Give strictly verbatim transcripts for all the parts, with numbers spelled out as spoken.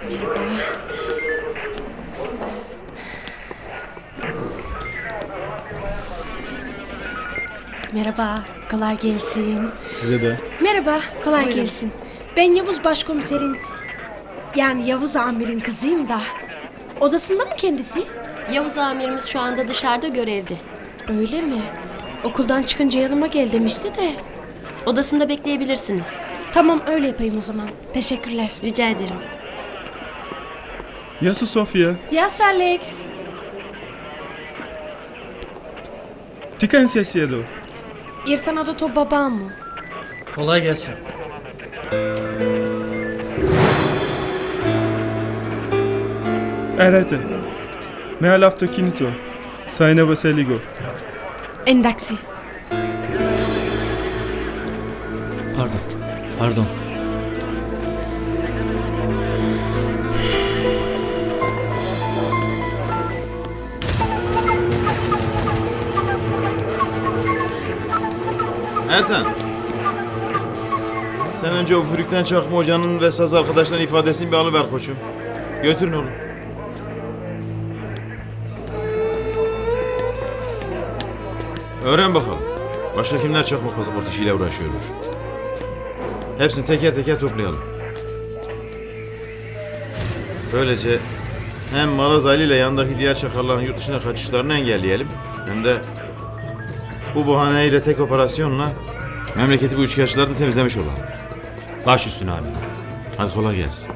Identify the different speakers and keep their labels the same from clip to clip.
Speaker 1: Merhaba. Merhaba, kolay gelsin.
Speaker 2: Size de.
Speaker 1: Merhaba, kolay
Speaker 3: Buyurun.
Speaker 1: gelsin. Ben Yavuz Başkomiserin, yani Yavuz Amir'in kızıyım da. Odasında mı kendisi?
Speaker 3: Yavuz amirimiz şu anda dışarıda görevde.
Speaker 1: Öyle mi? Okuldan çıkınca yanıma gel demişti de.
Speaker 3: Odasında bekleyebilirsiniz.
Speaker 1: Tamam, öyle yapayım o zaman. Teşekkürler.
Speaker 3: Rica ederim.
Speaker 2: Yasu Sofia.
Speaker 1: Yes, Alex.
Speaker 2: Ti kan si siedu.
Speaker 1: Irtanato to babamı.
Speaker 4: Kolay gelsin.
Speaker 2: Erete. Me alafto kinito. Sayne baseligo.
Speaker 1: Endaksi.
Speaker 4: Pardon. Pardon.
Speaker 5: Ertan. Sen önce o Fürük'ten Çakma Hoca'nın ve saz arkadaşların ifadesini bir alıver koçum. Götürün oğlum. Öğren bakalım. Başka kimler çakma pasaport işiyle uğraşıyormuş. Hepsini teker teker toplayalım. Böylece hem Maraz Ali ile yandaki diğer çakalların yurt dışına kaçışlarını engelleyelim. Hem de bu bahaneyle tek operasyonla memleketi bu üçkağıtçıları da temizlemiş olalım.
Speaker 6: Baş üstüne abi.
Speaker 5: Hadi kolay gelsin.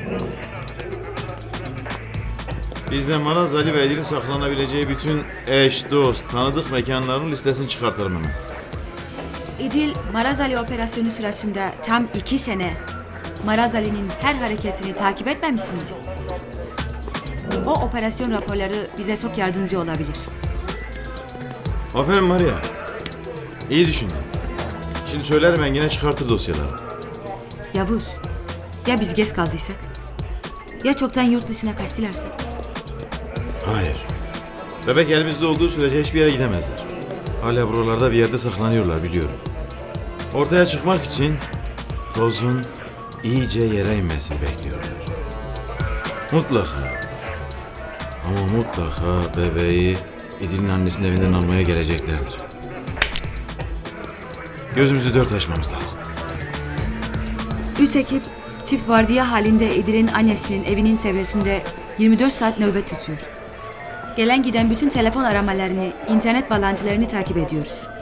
Speaker 5: Biz de Maraz Ali ve Edil'in saklanabileceği bütün eş, dost, tanıdık mekanların listesini çıkartalım hemen.
Speaker 7: İdil, Maraz Ali operasyonu sırasında tam iki sene Maraz Ali'nin her hareketini takip etmemiş miydi? O operasyon raporları bize çok yardımcı olabilir.
Speaker 5: Aferin Maria. İyi düşündün. Şimdi söylerim ben yine çıkartır dosyaları.
Speaker 7: Yavuz, ya biz geç kaldıysak? Ya çoktan yurt dışına kaçtılarsa?
Speaker 5: Hayır. Bebek elimizde olduğu sürece hiçbir yere gidemezler. Hala buralarda bir yerde saklanıyorlar biliyorum. Ortaya çıkmak için tozun iyice yere inmesini bekliyorlar. Mutlaka. Ama mutlaka bebeği İdil'in annesinin evinden almaya geleceklerdir. Gözümüzü dört açmamız lazım.
Speaker 7: Üç ekip çift vardiya halinde İdil'in annesinin evinin çevresinde yirmi dört saat nöbet tutuyor. Gelen giden bütün telefon aramalarını, internet bağlantılarını takip ediyoruz.